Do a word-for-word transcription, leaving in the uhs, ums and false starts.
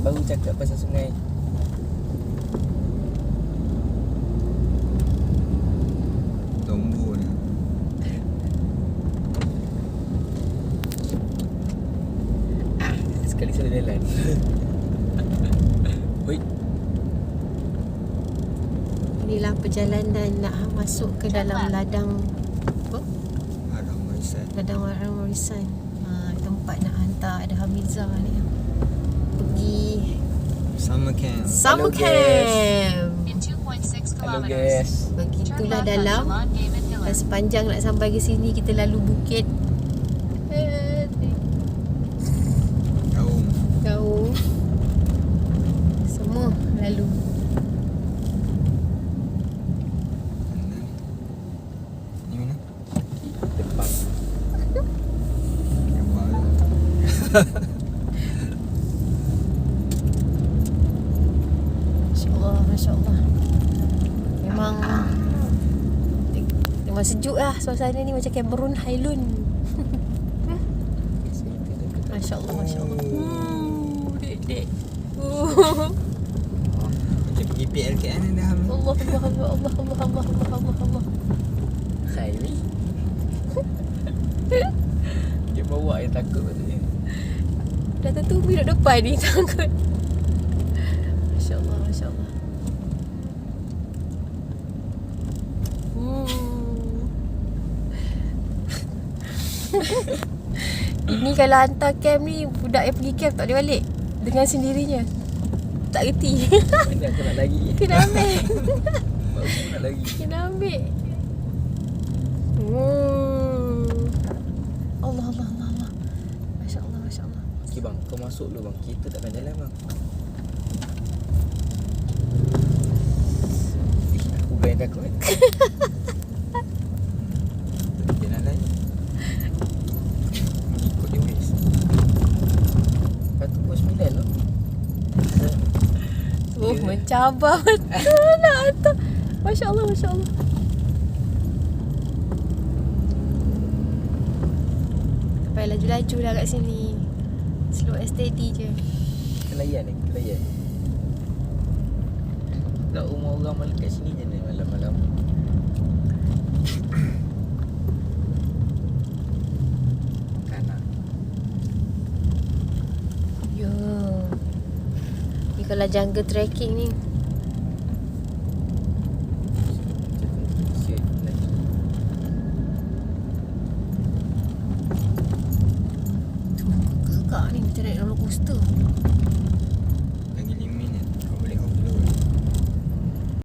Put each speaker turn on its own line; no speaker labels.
Baru cakap pasal sungai.
Tombol.
Ah, sekali salah jalan. Oi.
Inilah perjalanan nak masuk ke dalam ladang apa?
Haram Warisan.
Ladang Haram Warisan. Ha, tempat nak hantar ada Hamizah ni. Pergi
Summer camp.
summer
Hello,
camp.
In two point six
Hello
kilometers.
guys.
Begitulah
Turn left
dalam.
on Jalan Gaiman
Dan
Hillar.
sepanjang nak sampai ke sini kita lalu bukit. Eh,
Gaung.
Gaung. Semua lalu.
Mana? Ni mana?
Depan.
Kewal.
Masya-Allah, masya-Allah. Memang memang sejuk lah suasana ni macam Cameron Highland. Masya-Allah, masya-Allah. Uh, dek dek. Uh.
Macam pergi P L K L dah. Ham.
Allah, Allah, Allah, Allah, Allah, Allah, Allah, Allah, Allah.
Khairi. Dia bawa dia takut patutnya.
Dah tertunggu duduk depan ni takut. Masya-Allah, masya-Allah. Hmm. Ini kalau hantar camp ni, budak yang pergi camp tak boleh balik dengan sendirinya. Tak reti.
Ini aku nak lagi.
Kena ambil.
Aku nak lagi.
Kena ambil. Hmm. Allah, Allah, Allah, Allah. Masya-Allah, masya-Allah.
Okey bang, kau masuk dulu bang. Kita takkan jalan bang. Eh, aku bayang takut.
Jalan lain. Ikut dia wes.
Lepas tu pukul sembilan tu.
Oh, mencabar betul nak hantar. Masya-Allah, masya-Allah. Tak payah laju-laju lah kat sini. Slow and steady je.
Kelayan ni, kelayan. Kat rumah orang malam kat sini je ni malam-malam. Kanak.
Ya. Ni kalau jungle trekking ni.
Shit, lagi.
Tu gegak ni macam naik roller coaster.